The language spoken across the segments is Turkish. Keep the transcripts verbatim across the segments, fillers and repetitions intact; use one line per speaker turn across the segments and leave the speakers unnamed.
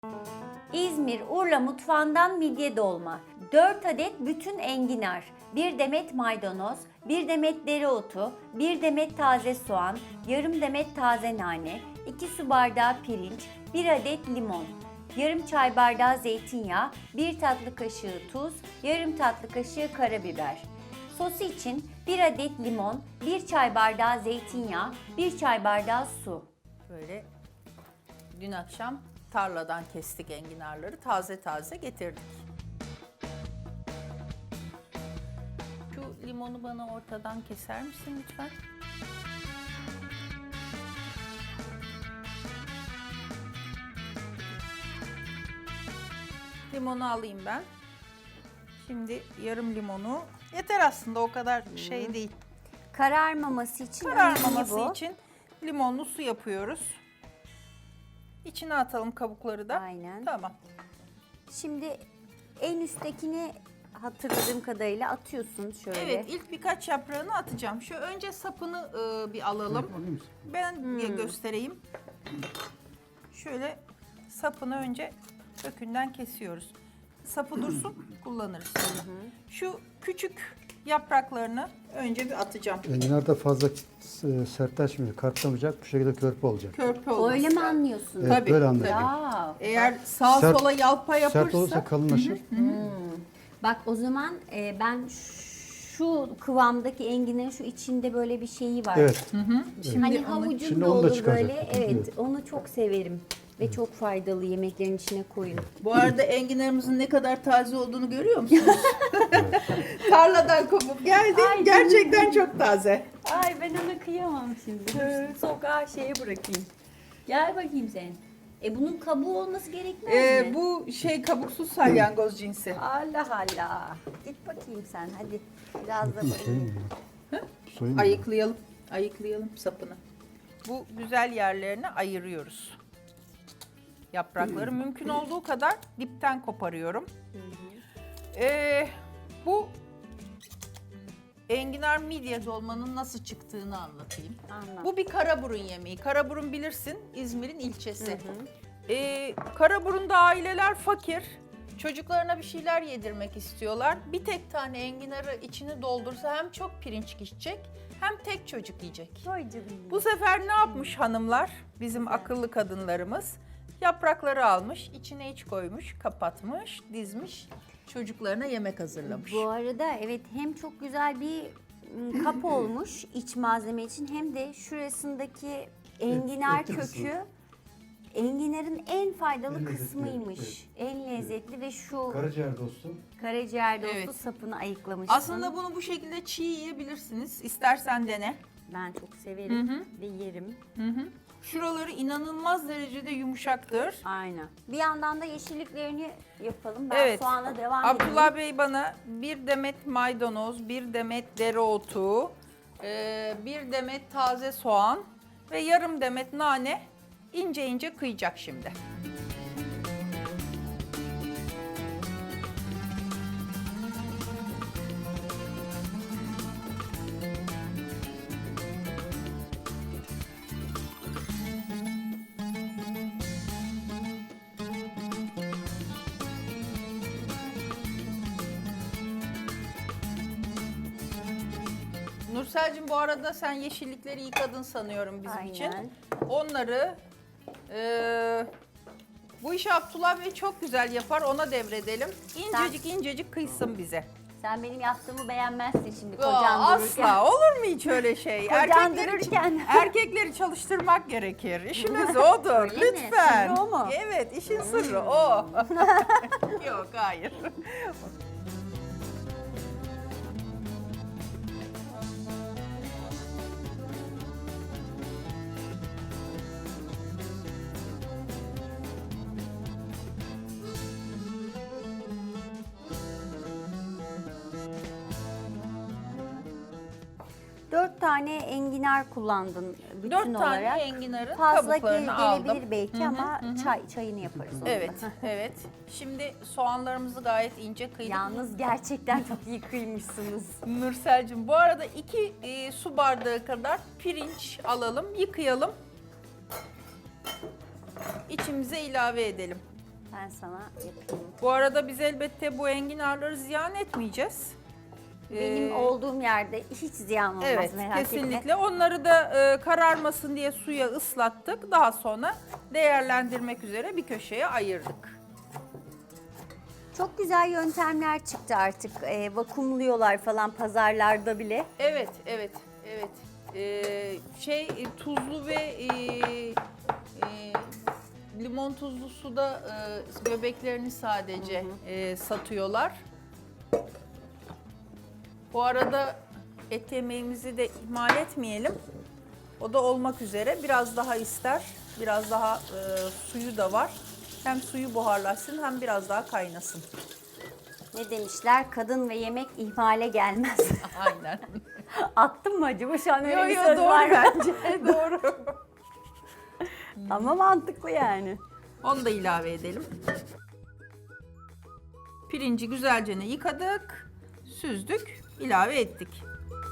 İzmir Urla mutfağından midye dolma, dört adet bütün enginar, bir demet maydanoz, bir demet dereotu, bir demet taze soğan, yarım demet taze nane, iki su bardağı pirinç, bir adet limon, yarım çay bardağı zeytinyağı, bir tatlı kaşığı tuz, yarım tatlı kaşığı karabiber. Sosu için bir adet limon, bir çay bardağı zeytinyağı, bir çay bardağı su.
Böyle dün akşam tarladan kestik enginarları, taze taze getirdik. Şu limonu bana ortadan keser misin lütfen? Limonu alayım ben. Şimdi yarım limonu yeter aslında, o kadar şey değil.
Kararmaması için
Kararmaması
önemli bu.
için limonlu su yapıyoruz. İçine atalım kabukları da.
Aynen.
Tamam.
Şimdi en üsttekini hatırladığım kadarıyla atıyorsun şöyle.
Evet, ilk birkaç yaprağını atacağım. Şu önce sapını e, bir alalım. Ben bir göstereyim. Şöyle sapını önce kökünden kesiyoruz. Sapı dursun, kullanırız. Şu küçük yapraklarını önce bir atacağım.
Enginar da fazla e, sertleşmeyecek, katlamayacak, bu şekilde körpe olacak.
Körpe olması.
Öyle mi anlıyorsun?
Evet,
Tabii,
böyle anlayacak.
Ya,
Eğer sağa
Sert-
sola yalpa yapırsa...
Sert olursa kalınlaşır.
bak o zaman e, ben şu kıvamdaki enginarın şu içinde böyle bir şeyi var.
Evet.
Hani
onu-
havucun
Şimdi
da
onu da
olur
çıkaracak.
böyle. Evet, onu çok severim. Ve çok faydalı, yemeklerin içine koyun.
Bu arada enginarımızın ne kadar taze olduğunu görüyor musunuz? Tarladan kopup geldi.
Ay,
Gerçekten çok taze.
Ay ben ona kıyamam şimdi. Dur, sokağa şeye bırakayım. Gel bakayım sen. E bunun kabuğu olması gerekmez
Ee,
mi?
bu şey kabuksuz salyangoz cinsi.
Allah Allah. Git bakayım sen hadi. Biraz da
Soyayım
bakayım.
mı? Soyayım mı?
Ayıklayalım. Ayıklayalım sapını. Bu güzel yerlerini ayırıyoruz. Yaprakları mümkün olduğu kadar dipten koparıyorum. Ee, bu enginar midye dolmanın nasıl çıktığını anlatayım.
Anlat.
Bu bir Karaburun yemeği. Karaburun bilirsin, İzmir'in ilçesi. Ee, Karaburun'da aileler fakir. Çocuklarına bir şeyler yedirmek istiyorlar. Bir tek tane enginarı içini doldursa hem çok pirinç gidecek hem tek çocuk yiyecek.
Vay canına.
Bu sefer ne yapmış hanımlar? Bizim akıllı kadınlarımız yaprakları almış, içine iç koymuş, kapatmış, dizmiş, çocuklarına yemek hazırlamış.
Bu arada evet hem çok güzel bir m, kap olmuş iç malzeme için hem de şurasındaki enginar
etli kısmı.
kökü enginarın en faydalı
En lezzetli,
kısmıymış. En lezzetli ve şu
Karaciğer dostu.
karaciğer dostu
Evet.
sapını ayıklamışsın.
Aslında bunu bu şekilde çiğ yiyebilirsiniz. İstersen dene.
Ben çok severim ve yerim.
Şuraları inanılmaz derecede yumuşaktır.
Aynen. Bir yandan da yeşilliklerini yapalım. Ben
Evet.
soğana devam
Abdullah
edeyim.
Bey bana bir demet maydanoz, bir demet dereotu, e, bir demet taze soğan ve yarım demet nane ince ince kıyacak şimdi. Nursel'cim bu arada sen yeşillikleri yıkadın sanıyorum bizim için.
Aynen.
Onları e, bu işi Abdullah Bey çok güzel yapar, ona devredelim. İncecik incecik kıysın bize.
Sen benim yaptığımı beğenmezsin şimdi
Aa,
kocan dururken.
asla olur mu hiç öyle şey?
Kocan
Erkekleri,
dururken.
erkekleri çalıştırmak gerekir. İşimiz odur.
Öyle mi?
Lütfen.
Sırrı o mu?
Evet, işin sırrı o. Yok, hayır.
Dört tane enginar kullandın bütün
Dört tane
olarak.
enginarın
Fazla gel-
kabuklarını aldım.
gelebilir belki ama çay çayını yaparız onunla.
Evet, evet. Şimdi soğanlarımızı gayet ince kıydık.
Yalnız gerçekten çok iyi kıymışsınız.
Nursel'cim bu arada iki e, su bardağı kadar pirinç alalım, yıkayalım. İçimize ilave edelim.
Ben sana yapayım.
Bu arada biz elbette bu enginarları ziyan etmeyeceğiz.
Benim
Ee,
olduğum yerde hiç ziyan olmaz,
Evet,
merak
kesinlikle.
etme.
Onları da e, kararmasın diye suya ıslattık. Daha sonra değerlendirmek üzere bir köşeye ayırdık.
Çok güzel yöntemler çıktı artık. Ee, vakumluyorlar falan pazarlarda bile.
Evet, evet, evet. Ee, şey e, tuzlu ve e, e, limon tuzlu suda e, göbeklerini sadece e, satıyorlar. Bu arada et yemeğimizi de ihmal etmeyelim. O da olmak üzere biraz daha ister. Biraz daha e, suyu da var. Hem suyu buharlaşsın hem biraz daha kaynasın.
Ne demişler? Kadın ve yemek ihmale gelmez.
Aynen.
Attım mı acaba? Şu an öyle
Yo
bir
yo
söz
doğru
var mı?
bence. Doğru.
Ama mantıklı yani.
Onu da ilave edelim. Pirinci güzelce yıkadık, süzdük, ilave ettik.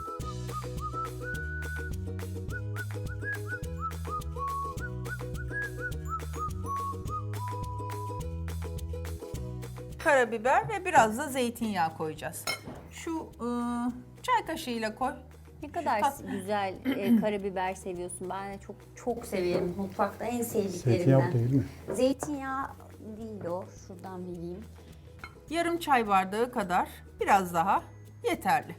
Karabiber ve biraz da zeytinyağı koyacağız. Şu ıı, çay kaşığıyla koy.
Ne kadar
tat-
güzel e, karabiber seviyorsun. Ben de çok çok severim. Mutfakta en
Zeytinyağı
sevdiklerimden.
değil mi?
Zeytinyağı değil o. Şuradan vereyim.
Yarım çay bardağı kadar, biraz daha yeterli.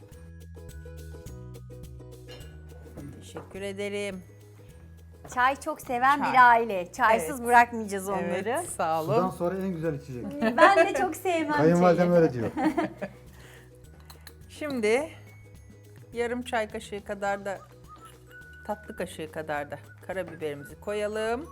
Teşekkür ederim.
Çay çok seven
Çay.
bir aile. Çaysız
Evet.
bırakmayacağız onları.
Evet, sağ olun.
Sudan sonra en güzel içecek.
Ben de çok sevmem
Kayınvalidem
çayı.
öyle diyor.
Şimdi yarım çay kaşığı kadar da tatlı kaşığı kadar da karabiberimizi koyalım.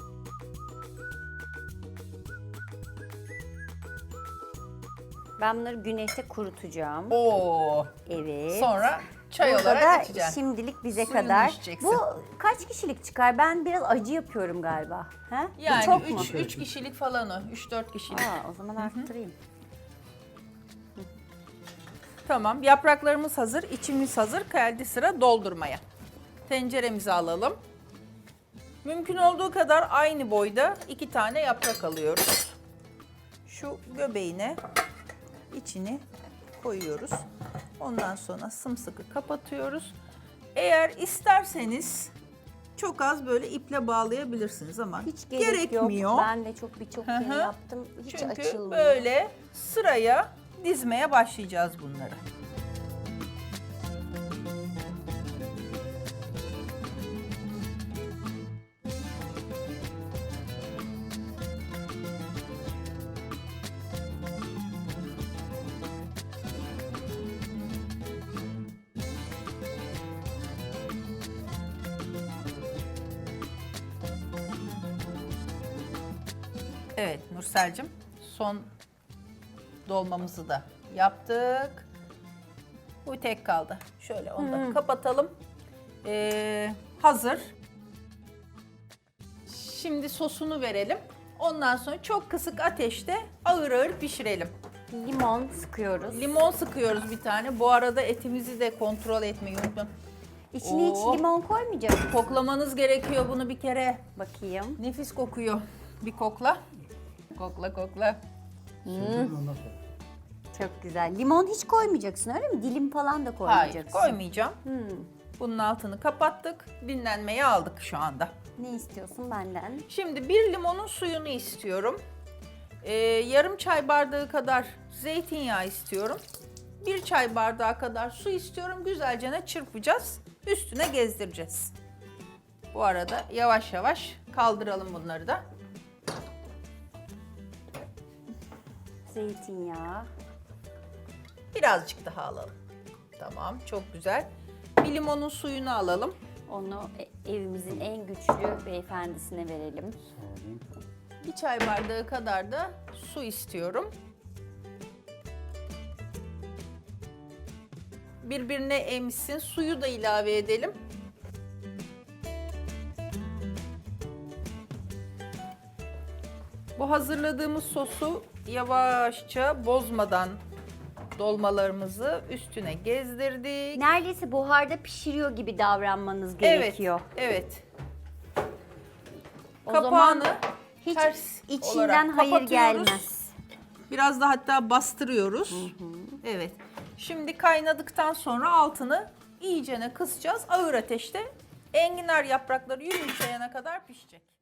Ben bunları güneşte kurutacağım.
Oo.
Evet.
Sonra çay
Burada
olarak
da
içeceğim.
şimdilik bize
Suyunu
kadar.
içeceksin.
Bu kaç kişilik çıkar? Ben biraz acı yapıyorum galiba. Ha? Bu
Yani
çok mu?
üç kişilik falan o. üç dört kişilik.
Aa, o zaman arttırayım.
Tamam. Yapraklarımız hazır, içimiz hazır. Geldi sıra doldurmaya. Tenceremizi alalım. Mümkün olduğu kadar aynı boyda iki tane yaprak alıyoruz. Şu göbeğine içini koyuyoruz. Ondan sonra sımsıkı kapatıyoruz. Eğer isterseniz çok az böyle iple bağlayabilirsiniz ama
Hiç gerek
gerekmiyor.
yok. Ben de çok birçok
Hı
kere
hı.
yaptım. Hiç
Çünkü
açılmıyor.
böyle sıraya dizmeye başlayacağız bunları. Evet Nursel'cim, son dolmamızı da yaptık. Bu tek kaldı. Şöyle onu da kapatalım. Ee, hazır. Şimdi sosunu verelim. Ondan sonra çok kısık ateşte ağır ağır pişirelim.
Limon sıkıyoruz.
Limon sıkıyoruz bir tane. Bu arada etimizi de kontrol etmeyi unutmayın.
İçine
Oo.
hiç limon koymayacağız.
Koklamanız gerekiyor bunu bir kere.
Bakayım.
Nefis kokuyor. Bir kokla. Kokla kokla.
Ondan sonra.
Çok güzel. Limon hiç koymayacaksın öyle mi? Dilim falan da
Hayır
koymayacaksın.
koymayacağım.
Hmm.
Bunun altını kapattık. Dinlenmeye aldık şu anda.
Ne istiyorsun benden?
Şimdi bir limonun suyunu istiyorum. Ee, yarım çay bardağı kadar zeytinyağı istiyorum. Bir çay bardağı kadar su istiyorum. Güzelce çırpacağız. Üstüne gezdireceğiz. Bu arada yavaş yavaş kaldıralım bunları da.
Zeytinyağı.
Birazcık daha alalım. Tamam, çok güzel. Bir limonun suyunu alalım.
Onu e- evimizin en güçlü beyefendisine verelim.
Bir çay bardağı kadar da su istiyorum. Birbirine emsin. Suyu da ilave edelim. Bu hazırladığımız sosu yavaşça bozmadan dolmalarımızı üstüne gezdirdik.
Neredeyse buharda pişiriyor gibi davranmanız
Evet,
gerekiyor.
evet.
O
Kapağını
zaman Hiç
ters
içinden
olarak
hayır
kapatıyoruz.
gelmez.
Biraz da hatta bastırıyoruz. Evet. Şimdi kaynadıktan sonra altını iyicene kısacağız. Ağır ateşte enginar yaprakları yumuşayana kadar pişecek.